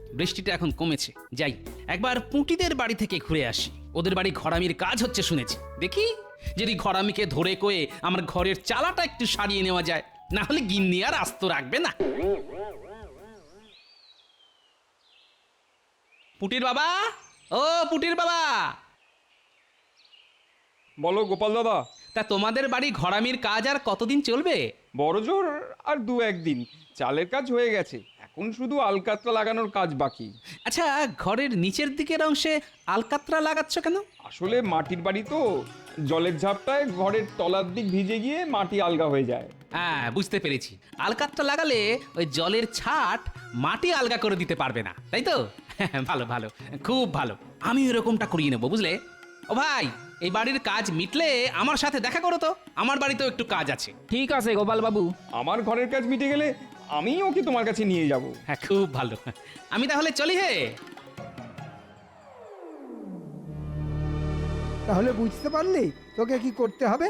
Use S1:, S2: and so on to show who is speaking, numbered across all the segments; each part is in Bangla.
S1: বৃষ্টিটা এখন কমেছে, যাই একবার পুঁটিদের বাড়ি থেকে ঘুরে আসি। ওদের বাড়ি ঘরামির কাজ হচ্ছে শুনেছি, দেখি যদি ঘরামিকে ধরে কয়ে আমার ঘরের চালাটা একটু সারিয়ে নেওয়া যায়, না হলে গিন্নি আর আস্ত রাখবে না। পুটির বাবা, ও পুটির বাবা।
S2: বলো গোপাল দাদা।
S1: তা তোমাদের বাড়ি ঘরামির কাজ আর কতদিন চলবে?
S2: বড় জোর আর 2-1 দিন। চালের কাজ হয়ে গেছে, এখন শুধু আলকাতরা লাগানোর কাজ বাকি।
S1: আচ্ছা, ঘরের নিচের দিকের অংশে আলকাতরা লাগাচ্ছ কেন?
S2: আসলে মাটির বাড়ি তো, জলের ঝাপটায় ঘরের তলার দিক ভিজে গিয়ে মাটি আলগা হয়ে যায়।
S1: হ্যাঁ, বুঝতে পেরেছি। আলকাতরা লাগালে ওই জলের ছাট মাটি আলগা করে দিতে পারবে না, তাই তো? ভালো ভালো, খুব ভালো। আমি এরকমটা করিয়ে নেবো, বুঝলে? ও ভাই, এই বাড়ির কাজ মিটলে আমার সাথে দেখা করো তো, আমার বাড়িতেও একটু কাজ আছে।
S3: ঠিক আছে গোপাল বাবু।
S2: আমার ঘরের কাজ মিটে গেলে আমি ওকে তোমার কাছে নিয়ে যাব।
S1: হ্যাঁ, খুব ভালো। আমি তাহলে চলি হে।
S4: তাহলে বুঝতে পারলি তোকে কি করতে হবে?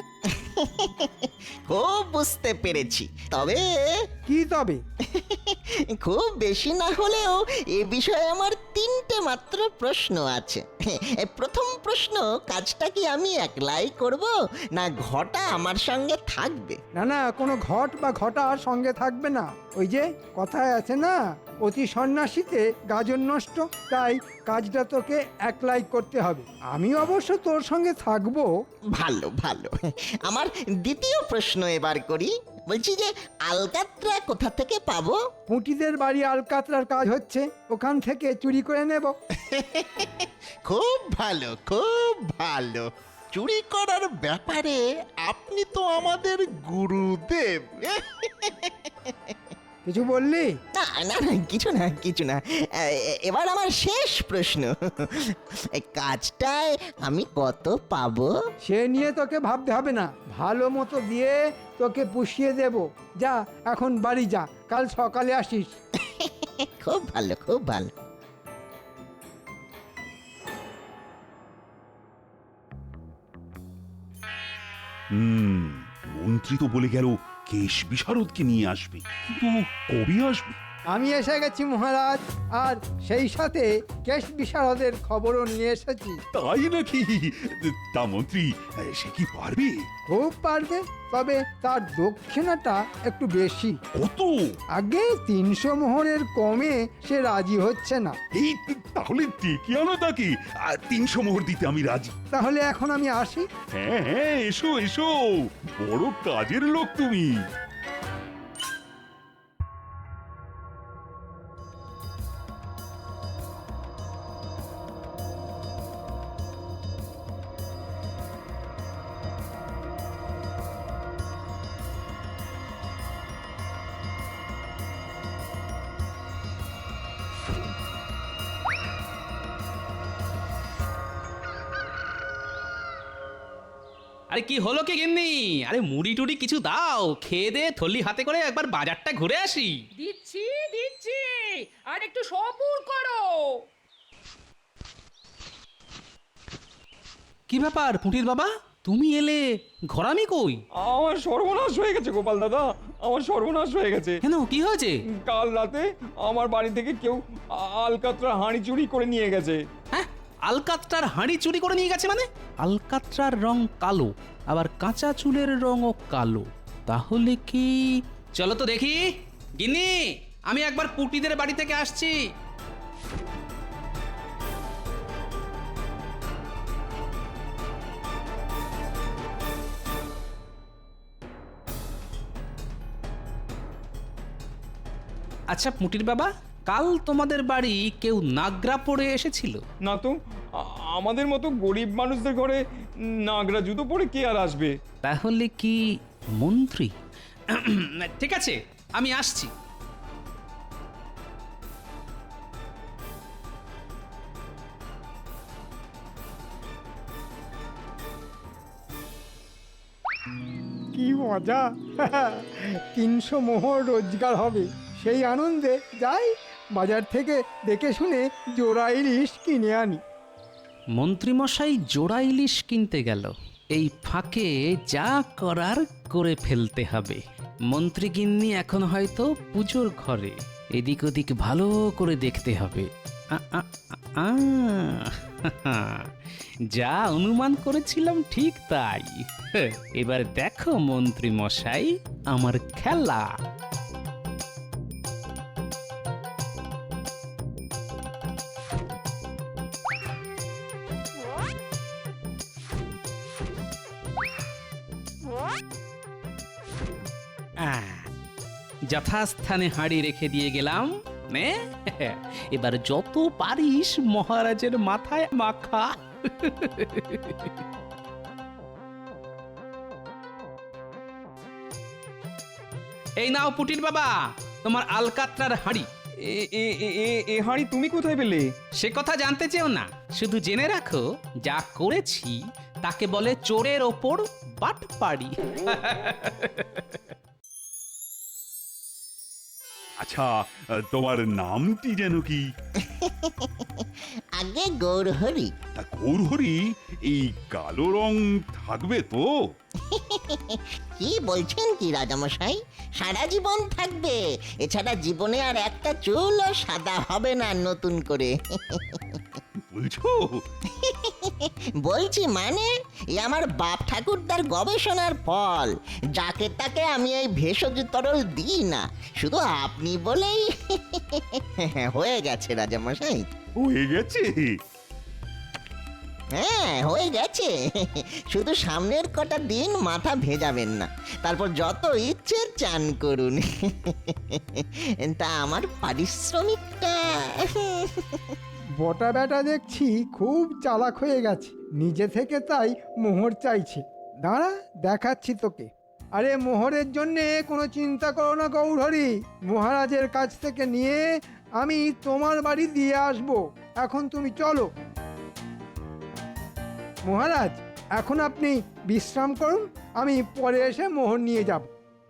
S5: খুব বুঝতে পেরেছি, তবে
S4: কি তবে?
S5: খুব বেশি না হলেও এ বিষয়ে আমার 3টে মাত্র প্রশ্ন আছে। প্রথম প্রশ্ন, কাজটা কি আমি একলাই করব না ঘটা আমার সঙ্গে থাকবে?
S4: না না, কোনো ঘট বা ঘটার সঙ্গে থাকবে না। ওই যে কথায় আছে না, অতি সন্ন্যাসীতে গাজন নষ্ট। তাই কাজটা তোকে একলাই করতে হবে। আমি অবশ্য তোর সঙ্গে থাকবো।
S5: ভালো ভালো। আমার দ্বিতীয় প্রশ্ন এবার করি। বলছি যে আলকাতরা কোথা থেকে পাবো?
S4: পুঁটিদের বাড়ি আলকাতরার কাজ হচ্ছে, ওখান থেকে চুরি করে নেব।
S5: খুব ভালো, খুব ভালো। চুরি করার ব্যাপারে আপনি তো আমাদের গুরুদেব।
S4: কিছু বললি?
S5: না না না, কিছু না কিছু না। এবার আমার শেষ প্রশ্ন, এই কাজটায় আমি কত পাবো?
S4: সে নিয়ে তোকে ভাবতে হবে না, ভালো মতো দিয়ে তোকে পুষিয়ে দেব। যা এখন বাড়ি যা, কাল সকালে আসিস।
S5: খুব ভালো, খুব ভালো।
S6: মন্ত্রী তো বলে গেল কেশ বিশারদকে নিয়ে আসবে, কিন্তু কবে আসবে?
S4: আমি এসে গেছি মহারাজ, আর সেই সাথে কেশ বিশারদের খবরও নিয়ে এসেছি।
S6: তাই নাকি? তা মন্ত্রী সে কি পারবে?
S4: খুব পারবে, তবে তার দক্ষিণাটা একটু বেশি।
S6: কত?
S4: আগে 300 মোহরের কমে সে রাজি হচ্ছে না।
S6: এই তাহলে ডেকে আনো তাকে, 300 মোহর দিতে আমি রাজি।
S4: তাহলে এখন আমি আসি।
S6: হ্যাঁ হ্যাঁ, এসো এসো, বড় কাজের লোক তুমি।
S1: আরে কি হলো কি গিন্নি? আরে মুড়ি টুড়ি কিছু দাও, খেয়ে দে থলি হাতে করে একবার বাজারটা ঘুরে আসি।
S7: দিচ্ছি দিচ্ছি, আর একটু সবুর করো।
S1: কি ব্যাপার পুঁটির বাবা, তুমি এলে, ঘরামি কই?
S2: আমার সর্বনাশ হয়ে গেছে গোপাল দাদা, আমার সর্বনাশ হয়ে গেছে।
S1: কেন, কি হয়েছে?
S2: কাল রাতে আমার বাড়ি থেকে কেউ আলকাতরা হাঁড়ি চুরি করে নিয়ে গেছে।
S1: হ্যাঁ, আলকাতরার হাঁড়ি চুরি করে নিয়ে গেছে মানে? আলকাতরার রং কালো, আবার কাঁচা চুলের রঙও কালো, তাহলে কি? চলো তো দেখি। গিন্নি, আমি একবার পুটিদের বাড়ি থেকে আসছি। আচ্ছা পুটির বাবা, কাল তোমাদের বাড়ি কেউ নাগরা পরে এসেছিল?
S2: না তো, আমাদের মতো গরিব মানুষদের ঘরে নাগরা জুতো পরে কে আর আসবে?
S1: তাহলে কি মন্ত্রী? ঠিক আছে, আমি আসছি।
S4: কি মজা! 300 মোহর রোজগার হবে, সেই আনন্দে যাই বাজার থেকে দেখে শুনে জোড়া ইলিশ কিনে আনি।
S1: মন্ত্রীমশাই জোড়া ইলিশ কিনতে গেল, এই ফাঁকে যা করার করে ফেলতে হবে। মন্ত্রী গিন্নি এখন হয়তো পুজোর ঘরে, এদিক ওদিক ভালো করে দেখতে হবে। আ, আ, আ, যা অনুমান করেছিলাম ঠিক তাই। এবার দেখো মন্ত্রী মশাই আমার খেলা। যথাস্থানে হাঁড়ি রেখে দিয়ে গেলাম। নে, এবার যত পারিস মহারাজের মাথায় মাখা। এই নাও পুটির বাবা, তোমার আলকাতরার হাঁড়ি।
S2: এ এ এ এ- এ হাঁড়ি তুমি কোথায় পেলে?
S1: সে কথা জানতে চেও না, শুধু জেনে রাখো যা করেছি তাকে বলে চোরের ওপর বাটপাড়ি।
S6: আচ্ছা, তোমার নামটি যেন কি?
S5: আগে গৌরহরি।
S6: তা গৌরহরি, এই কালো রং থাকবে তো?
S5: কি বলছেন কি রাজামশাই, সারা জীবন থাকবে। এছাড়া জীবনে আর একটা চুলও সাদা হবে না নতুন করে।
S6: বলছো?
S5: বলছি মানে, এ আমার বাপ ঠাকুরদার গবেষণার ফল। যাকে তাকে আমি এই ভেষজ তরল দিই না, শুধু আপনি বলেই হয়ে গেছে রাজামশাই।
S6: হয়ে গেছে?
S5: হ্যাঁ, হয়ে গেছে। শুধু সামনের কটা দিন মাথা ভেজাবেন না, তারপর যত ইচ্ছে চান করুন। তা আমার পারিশ্রমিকটা?
S4: বটা বেটা দেখছি খুব চালাক হয়ে গেছে, নিজে থেকে তাই মোহর চাইছে। দাঁড়া, দেখাচ্ছি তোকে। আরে মোহরের জন্যে কোনো চিন্তা করো না গৌরহরি, মহারাজের কাছ থেকে নিয়ে আমি তোমার বাড়ি দিয়ে আসব। এখন তুমি চলো। মহারাজ, এখন আপনি বিশ্রাম করুন, আমি পরে এসে মোহর নিয়ে যাব।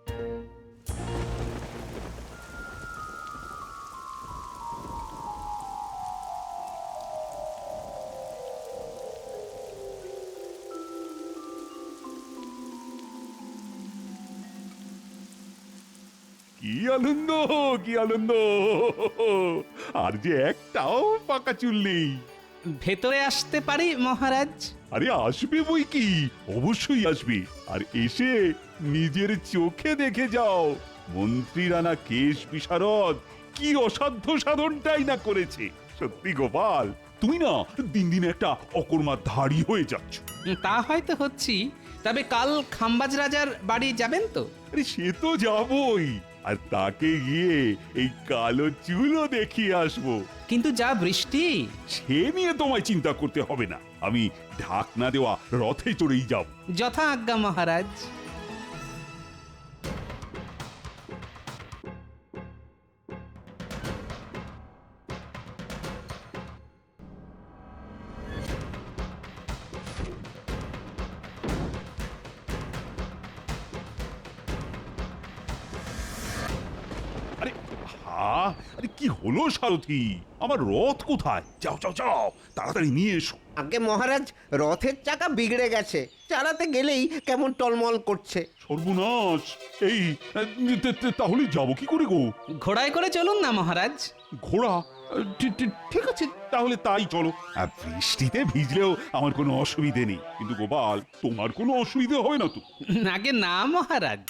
S6: কি আনন্দ, কি আনন্দ! আর যে একটাও পাকা চুল নেই।
S1: ভেতরে আসতে পারি মহারাজ?
S6: আরে আসবে বই কি, অবশ্যই আসবে। আর এসে নিজের চোখে দেখে যাও, মন্ত্রী রানা কেশ বিশারদ কি অসাধ্য সাধনটাই না করেছে। সত্যি গোপাল, তুমি না দিন দিন একটা অকর্মার ধাড়ি হয়ে যাচ্ছ।
S1: তা হয়তো হচ্ছি, তবে কাল খাম্বাজ রাজার বাড়ি যাবেন তো?
S6: আরে সে তো যাবই, আর তাকে গিয়ে এই কালো চুলও দেখিয়ে আসবো।
S1: কিন্তু যা বৃষ্টি।
S6: সে নিয়ে তোমায় চিন্তা করতে হবে না, আমি ঢাকনা দেওয়া রথে চড়েই যাব।
S1: যথা আজ্ঞা মহারাজ।
S6: আরে আরে কি হলো সারথি, আমার রথ কোথায়? যাও যাও যাও, তাড়াতাড়ি নিয়ে এসো।
S3: আগে মহারাজ, রথের চাকা বিগড়ে গেছে, চালাতে গেলেই কেমন টলমল করছে।
S6: সর্বনাশ! এই তাহলে যাবো কি করে গো?
S1: ঘোড়ায় করে চলুন না মহারাজ।
S6: ঘোড়া? ঠিক আছে, তাহলে তাই চলো। আর বৃষ্টিতে ভিজলেও আমার কোনো অসুবিধে নেই, কিন্তু গোপাল, তোমার কোনো অসুবিধে হবে না তো?
S1: আগে না মহারাজ।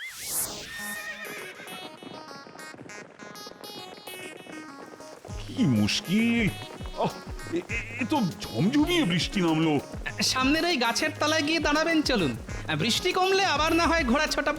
S6: কি মুশকিল! এ তো ঝমঝমিয়ে বৃষ্টি নামলো।
S1: সামনের ওই গাছের তলায় গিয়ে দাঁড়াবেন, চলুন। বৃষ্টি কমলে আবার না হয় ঘোড়া ছোটাবো।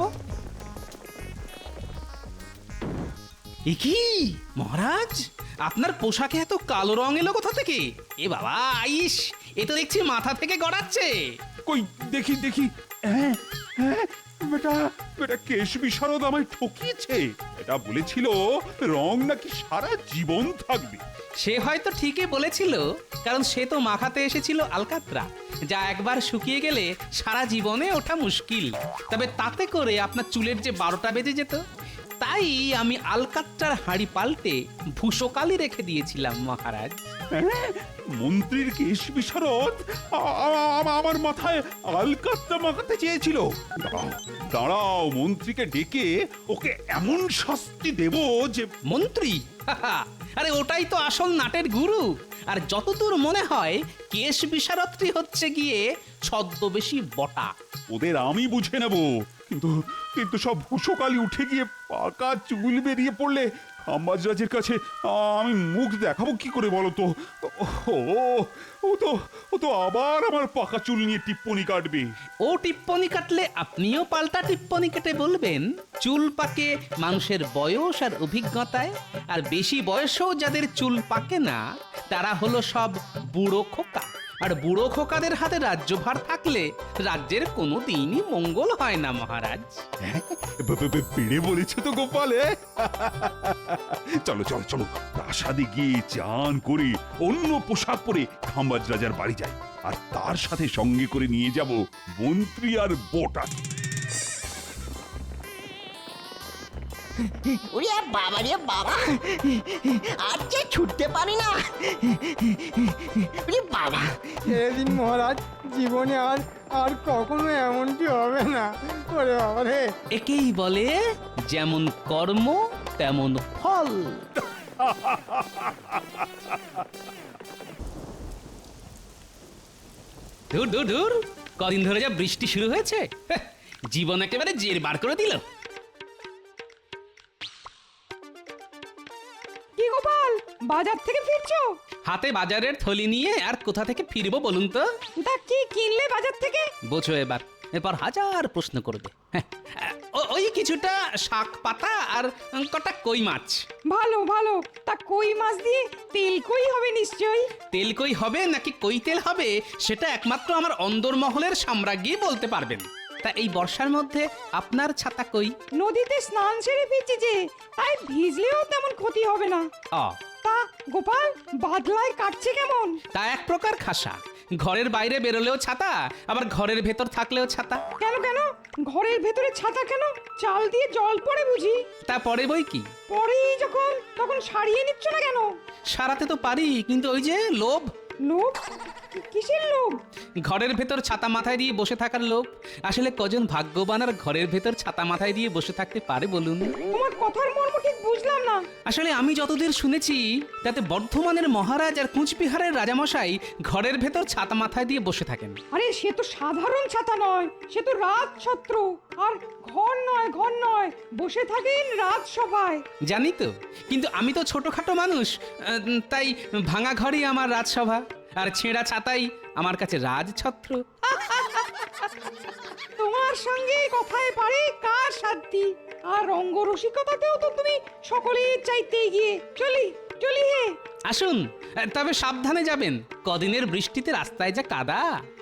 S1: এ কি মহারাজ, আপনার পোশাকে এত কালো রং এলো কোথা থেকে? এ বাবা, আইস, এ তো দেখছি মাথা থেকে গড়াচ্ছে।
S6: কই দেখি দেখি। হ্যাঁ হ্যাঁ, বেটা বেটা কেশ বিশারদ আমায় ঠকিয়েছে। এটা বলেছিল রং নাকি সারা জীবন থাকবে।
S1: সে হয়তো ঠিকই বলেছিল, কারণ সে তো মাখাতে এসেছিল আলকাতরা, যা একবার শুকিয়ে গেলে সারা জীবনে ওঠা মুশকিল। তবে তাতে করে আপনার চুলের যে 12টা বেজে যেত, তাই আমি আলকাত্রার হাঁড়ি পাল্টে ভূষকালি রেখে দিয়েছিলাম মহারাজ।
S6: হ্যাঁ? মন্ত্রীর কেশ বিশারদ আমার মাথায় আলকাত্তা মাখাতে চেয়েছিল। দাঁড়াও দাঁড়াও, মন্ত্রীকে ডেকে ওকে এমন শাস্তি দেব যে
S1: মন্ত্রী? আরে ওটাই তো আসল নাটের গুরু। আর যতদূর মনে হয় কেশ বিশারদটি হচ্ছে গিয়ে ছদ্মবেশী বটা।
S6: ওদের আমি বুঝে নেব, কিন্তু কিন্তু সব ভূষকালি উঠে গিয়ে পাকা চুল বেরিয়ে পড়লে খাম্বাজরাজের কাছে আমি মুখ দেখাবো কি করে বলো তো? ও তো আবার আমার পাকা চুল নিয়ে টিপ্পনি কাটবে।
S1: ও টিপ্পনি কাটলে আপনিও পাল্টা টিপ্পনি কেটে বলবেন চুল পাকে মানুষের বয়স আর অভিজ্ঞতায়, আর বেশি বয়সেও যাদের চুল পাকে না তারা হলো সব বুড়ো খোকা। আর বুড়ো খোকাদের হাতে রাজ্যভার থাকলে রাজ্যের কোনো দিনই মঙ্গল হয় না মহারাজ।
S6: পেড়ে বলেছে তো গোপালে। চলো চলো চলো, প্রাসাদে গিয়ে চান করে অন্য পোশাক পরে খাম্বাজ রাজার বাড়ি যাই, আর তার সাথে সঙ্গে করে নিয়ে যাব মন্ত্রী আর বটা।
S5: ওরে বাবা রে বাবা, আর যে ছুটতে পারি না। ওরে বাবা,
S4: এদিন মহারাজ, জীবনে আর আর কখনো এমনটি হবে না। ওরে বাবা রে।
S1: একেই বলে যেমন কর্ম তেমন ফল। ধুর ধুর ধুর, কদিন ধরে যা বৃষ্টি শুরু হয়েছে, হ্যাঁ, জীবন একেবারে জের বার করে দিল।
S7: কি গোপাল, বাজার থেকে ফিরছো?
S1: হাতে বাজারের থলি নিয়ে আর কোথা থেকে ফিরবো বলুন তো?
S7: তা কি কিনলে বাজার থেকে?
S1: বোঝো এবার, এরপর হাজার প্রশ্ন করবে। হ্যাঁ, ওই কিছুটা শাক পাতা আর কটা কই মাছ।
S7: ভালো ভালো, তা কই মাছ দিয়ে তেল কই হবে নিশ্চয়ই।
S1: তেল কই হবে নাকি কই তেল হবে সেটা একমাত্র আমার অন্দরমহলের সাম্রাজ্ঞী বলতে পারবেন। তা এই বর্ষার মধ্যে আপনার ছাতা কই?
S7: নদীতে স্নান সেরে ফিরছি যে, তাই ভিজলেও তেমন ক্ষতি হবে না।
S1: অ
S7: তা গোপাল, বাদলায় কাটছে কেমন?
S1: তা এক প্রকার খাসা। ঘরের বাইরে বেরোলেও ছাতা, আবার ঘরের ভেতর থাকলেও ছাতা।
S7: কেন কেন, ঘরের ভেতরে ছাতা কেন? চাল দিয়ে জল পড়ে বুঝি?
S1: তা পরে বই কি,
S7: পরেই যখন তখন সারিয়ে নিচ্ছ না কেন?
S1: সারাতে তো পারি, কিন্তু ওই যে লোভ।
S7: লোভ? কিসের লোভ?
S1: ঘরের ভেতর ছাতা মাথায় দিয়ে বসে থাকার লোভ। আসলে কজন ভাগ্যবান আর ঘরের ভেতর ছাতা মাথায় দিয়ে বসে থাকতে পারে বলুন?
S7: তোমার কথার মর্ম ঠিক বুঝলাম না।
S1: আসলে আমি যতদূর শুনেছি তাতে বর্ধমানের মহারাজ আর কুচবিহারের রাজামশাই ঘরের ভেতর ছাতা মাথায় দিয়ে বসে থাকেন।
S7: আরে সে তো সাধারণ ছাতা নয়, সে তো রাজছত্র। আর ঘর নয়, ঘর নয়, বসে থাকেন রাজসভায়।
S1: জানি তো, কিন্তু আমি তো ছোটখাটো মানুষ, তাই ভাঙা ঘরই আমার রাজসভা, আর ছেঁড়া ছাতাই আমার কাছে রাজছত্র।
S7: তোমার সঙ্গে কথায় পারে কার সাধ্যি, আর রঙ্গরসিকতাতেও তো তুমি সকলের চাইতে এগিয়ে। চলি চলি হে।
S1: আসুন, তবে সাবধানে যাবেন, কদিনের বৃষ্টিতে রাস্তায় যা কাদা।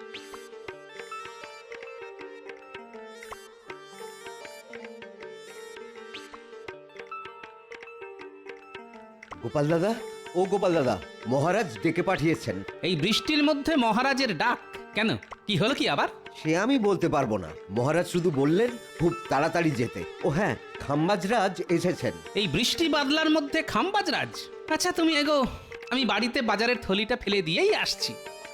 S3: গোপাল দাদা, ও গোপাল দাদা, মহারাজ ডেকে পাঠিয়েছেন।
S1: এই বৃষ্টির মধ্যে মহারাজের ডাক কেন? কি হলো কি আবার?
S3: সে আমি বলতে পারবো না, মহারাজ শুধু বললেন খুব তাড়াতাড়ি যেতে। ও হ্যাঁ, খাম্বাজরাজ এসেছেন।
S1: এই বৃষ্টি বাদলার মধ্যে খাম্বাজরাজ? আচ্ছা তুমি এগো, আমি বাড়িতে বাজারের থলিটা ফেলে দিয়েই আসছি।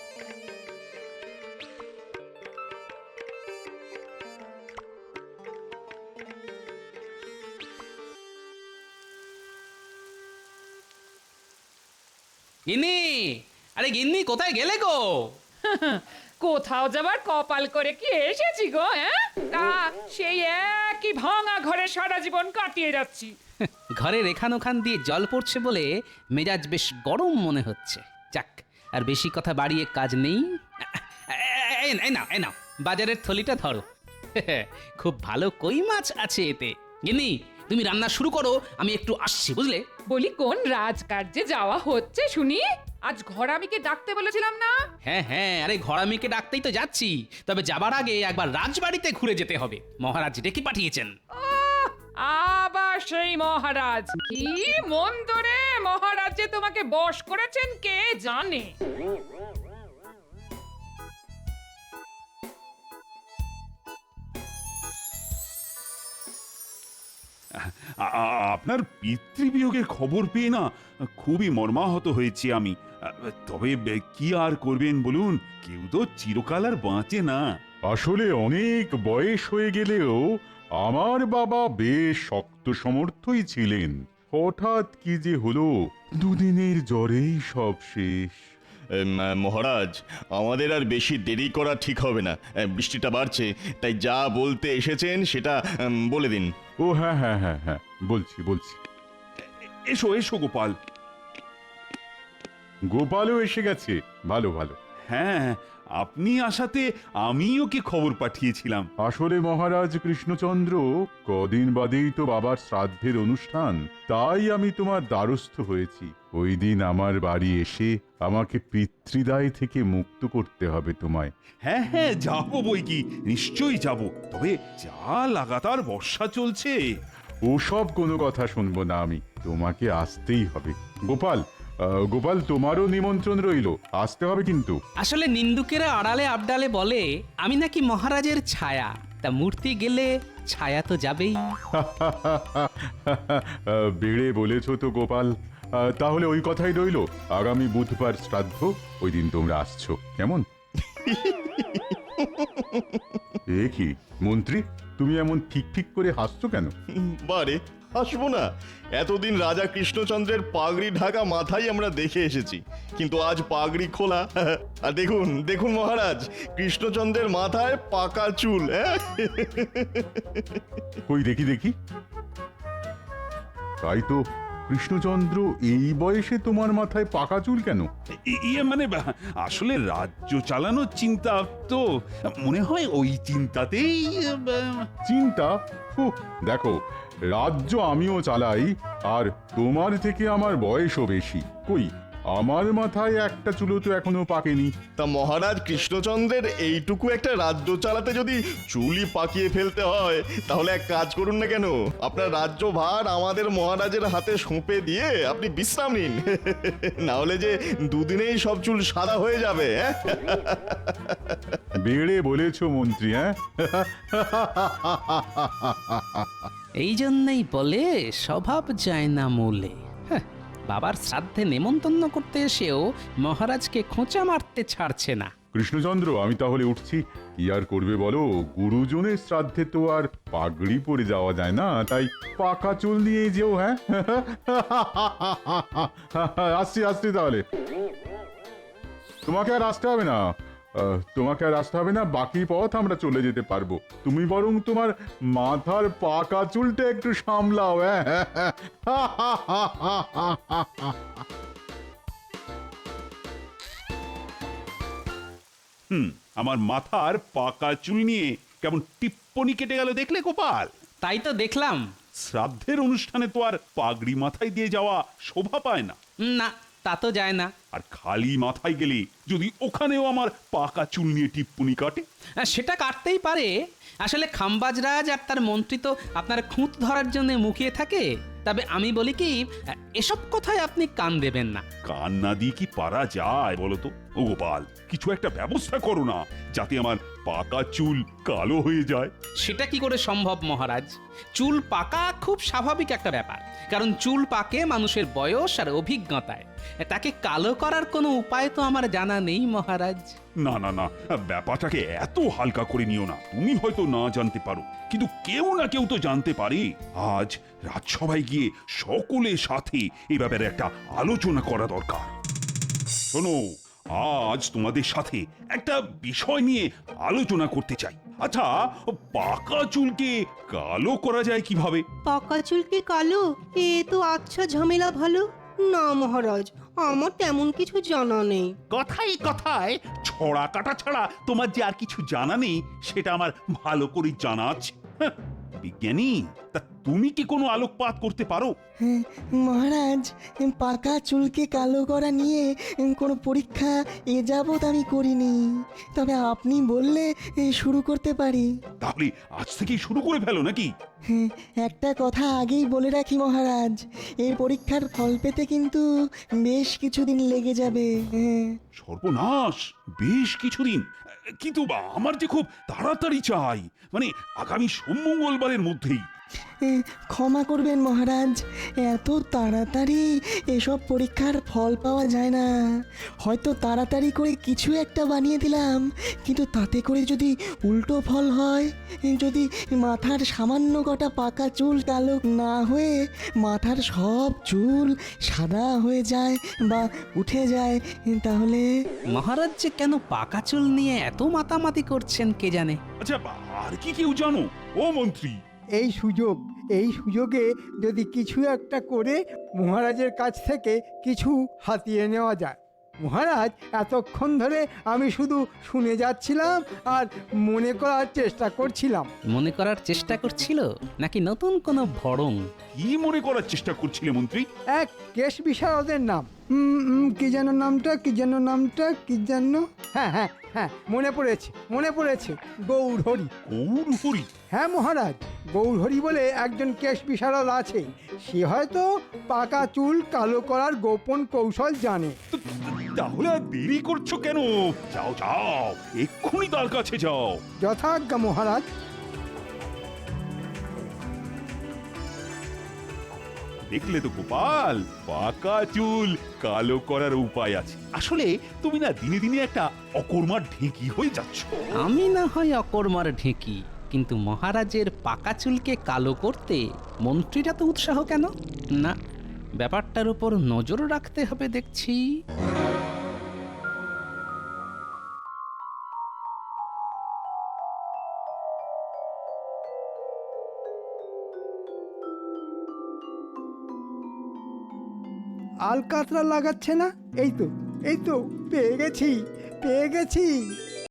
S1: গিন্নি, আরে গিন্নি, কোথায় গেলে গো?
S7: কোথাও যাবার কপাল করে কি এসেছি গো? হ্যাঁ, তা সেই একই ভাঙা ঘরে সারা জীবন কাটিয়ে যাচ্ছি।
S1: ঘরের এখান ওখান দিয়ে জল পড়ছে বলে মেজাজ বেশ গরম মনে হচ্ছে। যাক, আর বেশি কথা বাড়িয়ে কাজ নেই। এই নাও বাজারের থলিটা ধরো। খুব ভালো কই মাছ আছে এতে। গিন্নি, তুমি রান্না শুরু করো, আমি একটু আসছি, বুঝলে?
S7: বলি, কোন রাজকার্যে যাওয়া হচ্ছে শুনি? আজ ঘরামিকে ডাকতে বলেছিলাম না?
S1: হ্যাঁ, আরে ঘরামিকে ডাকতেই তো যাচ্ছি। তবে যাবার আগে একবার রাজবাড়িতে ঘুরে যেতে হবে, মহারাজ ডেকে পাঠিয়েছেন।
S7: আহ, আবার সেই মহারাজ! কি মন্দ রে, মহারাজ যে তোমাকে বশ করেছেন কে জানে।
S6: আপনার পিতৃবিয়োগের খবর পেয়ে না খুবই মর্মাহত হয়েছি আমি। তবে কি আর করবেন বলুন, কেউ তো চিরকাল আর বাঁচে না।
S8: আসলে অনেক বয়স হয়ে গেলেও আমার বাবা বেশ শক্ত সমর্থই ছিলেন। হঠাৎ কি যে হলো, দুদিনের জ্বরেই সব শেষ।
S9: মহারাজ, আমাদের আর বেশি দেরি করা ঠিক হবে না। বৃষ্টিটা বাড়ছে, তাই যা বলতে এসেছেন সেটা বলে দিন।
S8: ও হ্যাঁ হ্যাঁ হ্যাঁ হ্যাঁ, বলছি।
S6: এসো এসো গোপাল।
S8: গোপালও এসে গেছে, ভালো।
S6: হ্যাঁ, আপনি আসাতে আমি ওকে খবর পাঠিয়েছিলাম।
S8: আসলে মহারাজ কৃষ্ণচন্দ্র, কদিন বাদেই তো বাবার শ্রাদ্ধের অনুষ্ঠান, তাই আমি তোমার দ্বারস্থ হয়েছি। ওই দিন আমার বাড়ি এসে আমাকে পিতৃদায় থেকে মুক্ত করতে হবে তোমায়।
S6: হ্যাঁ যাবো বই কি, নিশ্চয়ই যাব। তবে যা লাগাতার বর্ষা চলছে।
S8: ওসব কোনো কথা শুনবো না আমি, তোমাকে আসতেই হবে। গোপাল, তোমারও নিমন্ত্রণ রইলো, আসতে হবে কিন্তু।
S1: আসলে নিন্দুকেরা আড়ালে আবডালে বলে আমি নাকি মহারাজের ছায়া, তা মূর্তি গেলে ছায়া তো যাবেই।
S8: বেড়ে বলেছো তো গোপাল। তাহলে ওই কথাই রইলো, আগামী বুধবার শ্রাদ্ধ, ওই দিন তোমরা আসছো, কেমন? এ কি মন্ত্রী, তুমি এমন ঠিক করে হাসছো কেন?
S9: বারে, হাসবো না? এতদিন রাজা কৃষ্ণচন্দ্রের পাগড়ি ঢাকা মাথায় আমরা দেখে এসেছি, কিন্তু আজ পাগড়ি খোলা। আর দেখুন মহারাজ, কৃষ্ণচন্দ্রের মাথায় পাকা চুল।
S8: কই দেখি। তাই তো, কৃষ্ণচন্দ্র, এই বয়সে তোমার মাথায় পাকা চুল কেন?
S6: ইয়ে মানে আসলে রাজ্য চালানোর চিন্তা তো, মনে হয় ওই চিন্তাতেই।
S8: চিন্তা? দেখো, রাজ্য আমিও চালাই, আর তোমার থেকে আমার বয়সও বেশি। কই, আমার মাথায় একটা চুলো তো এখনো পাকেনি।
S9: তা মহারাজ কৃষ্ণচন্দ্রের এইটুকু একটা রাজ্য চালাতে যদি চুলই পাকিয়ে ফেলতে হয়, তাহলে এক কাজ করুন না কেন, আপনার রাজ্য ভার আমাদের মহারাজের হাতে সঁপে দিয়ে আপনি বিশ্রাম নিন। না হলে যে দুদিনেই সব চুল সাদা হয়ে যাবে।
S8: বেড়ে বলেছো মন্ত্রী, হ্যাঁ?
S1: এই জন্যই বলে স্বভাব যায় না মূলে। বাবার শ্রাদ্ধে নেমন্তন্ন করতে এসেও মহারাজকে খোঁচা মারতে ছাড়ছে না।
S8: কৃষ্ণচন্দ্র, আমি তাহলে উঠছি। কি আর করবে বলো, গুরুজনের শ্রাদ্ধে তো আর পাগড়ি পরে যাওয়া যায় না, তাই পাকা চুল নিয়ে যেও। হ্যাঁ, আসছি তাহলে। তোমাকে আর আসতে হবে না, বাকি পথ আমরা চলে যেতে পারবো। তুমি বরং তোমার মাথার পাকা চুলটা একটু সামলাও। হ্যাঁ,
S6: আমার মাথার পাকা চুল নিয়ে কেমন টিপ্পনি কেটে গেল দেখলে গোপাল?
S1: তাই তো দেখলাম।
S6: শ্রাদ্ধের অনুষ্ঠানে তো আর পাগড়ি মাথায় দিয়ে যাওয়া শোভা পায় না।
S1: না, তা তো যায় না।
S6: আর খালি মাথায় গেলে যদি ওখানেও আমার পাকা চুল নিয়ে টিপ্পনি কাটে?
S1: সেটা কাটতেই পারে। আসলে খাম্বাজরাজ আর তার মন্ত্রী তো আপনার খুঁত ধরার জন্য মুখিয়ে থাকে। তবে আমি বলি কি, এসব কথায় আপনি কান দেবেন না।
S6: কান না দিয়ে কি পারা যায় বলো তো? ও গোপাল, কিছু একটা ব্যবস্থা করো না, যাতে আমার পাকা চুল কালো হয়ে যায়।
S1: সেটা কি করে সম্ভব মহারাজ? চুল পাকা খুব স্বাভাবিক একটা ব্যাপার, কারণ চুল পাকে মানুষের বয়স আর অভিজ্ঞতায়। তাকে কালো করার কোনো উপায় তো আমার জানা নেই মহারাজ।
S6: না, ব্যাপারটাকে এত হালকা করে নিও না। তুমি হয়তো না জানতে পারো, কিন্তু কেউ না কেউ তো জানতে পারে। আজ রাজসভায় গিয়ে সকলের সাথে এ ব্যাপারে একটা আলোচনা করা দরকার। শোনো, আজ তোমাদের সাথে একটা বিষয় নিয়ে আলোচনা করতে চাই। আচ্ছা, পাকা চুলকে কালো করা যায় কিভাবে?
S10: পাকা চুলকে কালো? এ তো আচ্ছা ঝামেলা ভালো। না মহারাজ, আমার তেমন কিছু জানা নেই।
S6: কথায় ছড়া কাটা ছাড়া তোমার যে আর কিছু জানা নেই, সেটা আমার ভালো করে জানা আছে। বিজ্ঞানী, তা তুমি কি কোনো আলোকপাত করতে পারো?
S5: মহারাজ, পাকা চুলকে কালো করা নিয়ে কোনো পরীক্ষা এ যাবৎ আমি করিনি, তবে আপনি বললে শুরু করতে পারি।
S6: তাহলে আজ থেকেই শুরু করে ফেলো নাকি?
S5: একটা কথা আগেই বলে রাখি মহারাজ, এই পরীক্ষার ফল পেতে কিন্তু বেশ কিছুদিন লেগে যাবে।
S6: সর্বনাশ, বেশ কিছুদিন? কিন্তু আমার যে খুব তাড়াতাড়ি চাই, মানে আগামী সোম মঙ্গলবারের মধ্যেই।
S5: ক্ষমা করবেন মহারাজ, এত তাড়াতাড়ি এসব পরীক্ষার ফল পাওয়া যায় না। হয়তো তাড়াতাড়ি করে কিছু একটা বানিয়ে দিলাম, কিন্তু তাতে করে যদি উল্টো ফল হয়, যদি মাথার সামান্য কটা পাকা চুল কালো না হয়ে মাথার সব চুল সাদা হয়ে যায় বা উঠে যায়, তাহলে
S1: মহারাজ যে কেন পাকা চুল নিয়ে এত মাতামাতি করছেন কে জানে।
S6: আচ্ছা, আর কি কেউ জানো ও মন্ত্রী?
S4: এই সুযোগে যদি কিছু একটা করে মহারাজের কাছ থেকে কিছু হাতিয়ে নেওয়া যায়। মহারাজ, এতক্ষণ ধরে আমি শুধু শুনে যাচ্ছিলাম আর মনে করার চেষ্টা করছিলাম।
S1: মনে করার চেষ্টা করছিল নাকি নতুন কোনো ভড়ং?
S6: কি মনে করার চেষ্টা করছিলে মন্ত্রী?
S4: এক কেশ বিশারদের নাম, কি যেন নামটা, হ্যাঁ, মনে পড়েছে, গৌরহরি।
S6: গৌরহরি?
S4: হ্যাঁ মহারাজ, গৌরহরি বলে একজন কেশ বিশারদ আছে। সে হয়তো পাকা চুল কালো করার গোপন কৌশল জানে।
S6: তাহলে আর দেরি করছো কেন? যাও যাও, এক্ষুনি তার কাছে যাও।
S4: যথাজ্ঞা মহারাজ।
S6: দেখলে তো গোপাল, পাকা চুল কালো করার উপায় আছে। আসলে তুমি না দিনে দিনে একটা অকর্মার ঢেঁকি হয়ে যাচ্ছ।
S1: আমি না হয় অকর্মার ঢেঁকি, কিন্তু মহারাজের পাকা চুলকে কালো করতে মন্ত্রীরা তো উৎসাহ কেন? না, ব্যাপারটার উপর নজর রাখতে হবে দেখছি।
S4: আলকাতরা লাগাচ্ছে না? এই তো পেয়ে গেছি।